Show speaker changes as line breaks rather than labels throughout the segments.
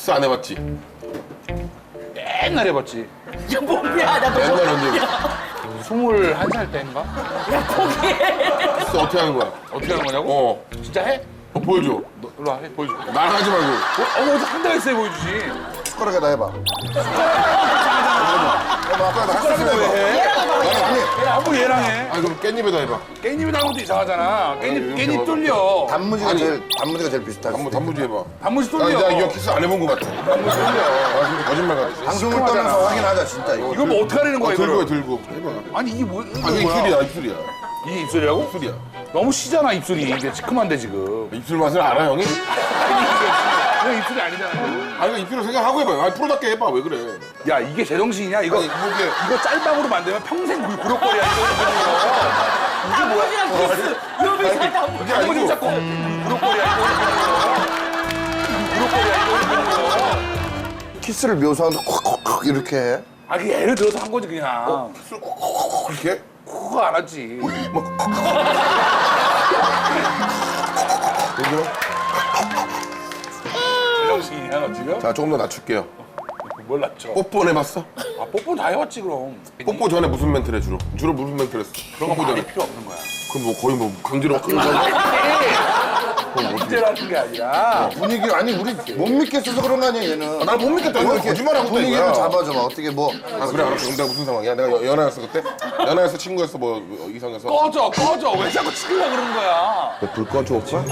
키스 안 해봤지?
옛날에 해봤지.
야, 뭐야, 나도
옛날 언제?
21살 때인가?
야, 포기해.
키스 어떻게 하는 거야?
어떻게 하는 거냐고?
어.
진짜 해?
보여줘.
너 일로 와, 해, 보여줘.
나랑 하지 말고.
어디 한달 있어야 보여주지.
숟가락에다 해봐. 해봐.
숟가락으로 왜 해?
아니,
아무 얘랑 해.
아 그럼 깻잎에다 해봐.
깻잎이 나는 것도 이상하잖아. 깻잎
이렇게 봐봐.
뚫려.
단무지가 제일 비슷하지.
단무지 해봐.
단무지
나
뚫려.
이거 키스 안 해본 것 같아.
단무지 뚫려.
아 근데 거짓말 같아.
방송을 떠나서 확인하자, 진짜 이거.
이거 뭐 어떻게 하려는 거야,
들고 해
이거를?
들고. 해봐.
아니, 이게 뭐, 이게
아 이게
뭐야?
입술이야 입술이야.
이게 입술이라고?
입술이야.
너무 시잖아, 입술이. 이게 시큼한데, 지금.
입술 맛을 알아 형이?
이거 입술이 아니잖아.
아 이거 입술을 생각하고 해봐. 아 프로답게 해봐 왜 그래?
야, 이게 제정신이냐? 이거,
아니, 이게-
이거 짤방으로 만들면 평생 구력거리야, 이거. 이게 뭐야?
단무지랑 키스. 요비 살 단무지.
그게
단무지
아니고
잡고 구력거리야, 이거. 구력거리야, 이거.
키스를 묘사하는데 콕콕콕 이렇게 해.
아, 그게 예를 들어서 한 거지, 그냥.
그렇게?
그거 안 하지.
그죠?
제정신이야, 너 지금?
자 조금 더 낮출게요.
뭘 낮춰?
뽀뽀는 해봤어?
아, 뽀뽀 다 해왔지, 그럼.
뽀뽀 전에 무슨 멘트를 해 주로? 주로 무슨 멘트를 했어?
그런 거
뽀뽀
많이
전에.
필요 없는 거야.
그럼 뭐 거의 뭐 강제로 끌고
문제라는 게 아니라.
분위기 아니 우리 못 믿겠어서 그런 거 아니야 얘는.
날 못 믿겠다. 이거 거짓말하고 있다
분위기를
이거야.
잡아줘봐. 어떻게 뭐.
아 그래 알았어. 그럼 내가 무슨 상황이야? 내가 연하였어 그때? 연하였어 친구였어 뭐 이상해서?
꺼져. 왜 자꾸 치려고 그러는 거야?
불 꺼줘 오빠?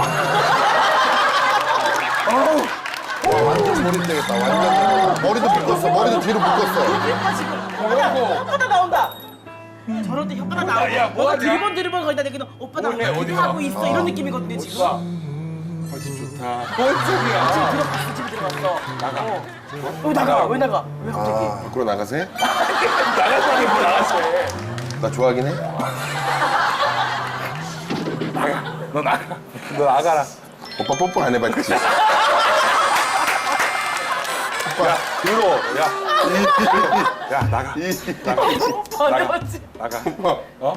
완전 머리 되겠다. 완전 머리도 묶었어. 머리도 뒤로 묶었어.
혓바닥 나온다. 저럴 때 혓바닥 나오고.
야, 뭐 하냐?
드리번 거기다 대기는 오빠 나
뭐해, 어디
하고
가?
있어. 이런 느낌이거든요, 지금.
뭔 소리야?
들어갔어, 집에 들어갔어. 나가. 왜 나가? 왜 나가? 왜 갑자기?
밖으로 나가세?
나갔다니 뭐 나갔어.
나 좋아하긴 해.
너 나가라.
오빠 뽀뽀 안 해봤지?
야, 들어. 야, 나가.
번해봤지.
나가.
오빠
어?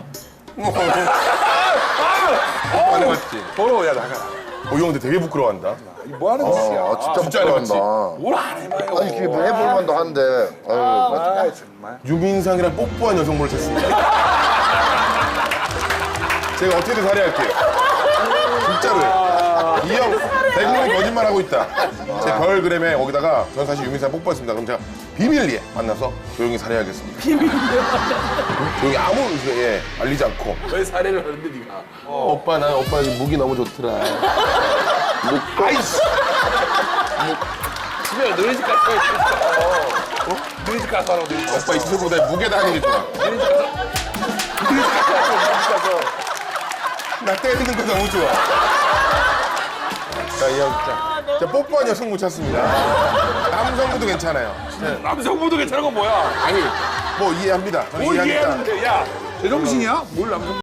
뽀뽀 안 해봤지?
더러워, 야, 나가라.
형 근데 되게 부끄러워한다.
이거 뭐 하는 짓이야?
진짜
진짜 안 해봤지?
부끄러운다.
뭘 안 해봐요.
아니 그게 뭐 해볼 만도 한데. 아유,
아, 정말.
유민상이랑 뽀뽀한 여성분을 찾습니다. 제가 어떻게든 살해할게요. 진짜로요. 이 형 대국민 거짓말하고 있다. 제 별그램에 거기다가 전 사실 유민상 뽀뽀했습니다. 그럼 제가 비밀리에 만나서 조용히 살해하겠습니다. 비밀리에 조용히 아무 알리지 않고.
왜 살해를 하는데, 네가?
오빠 나 오빠 무기 너무 좋더라.
아이씨. 집에 너네 집 가서 해, 진짜. 너네 집 가서 하라고, 너네 집 가서.
오빠 입술보다 무게다 하는 게 좋아.
너네 집 가서.
나 때리는 거 너무 좋아. 자, 이 형 진짜. 자, 뽀뽀한 여성 못 찾습니다. 남성분도 괜찮아요.
남성분도 괜찮은 건 뭐야?
아니, 뭐 이해합니다. 저는
뭘
이해하니까.
이해하는데, 야, 제정신이야? 뭘 남성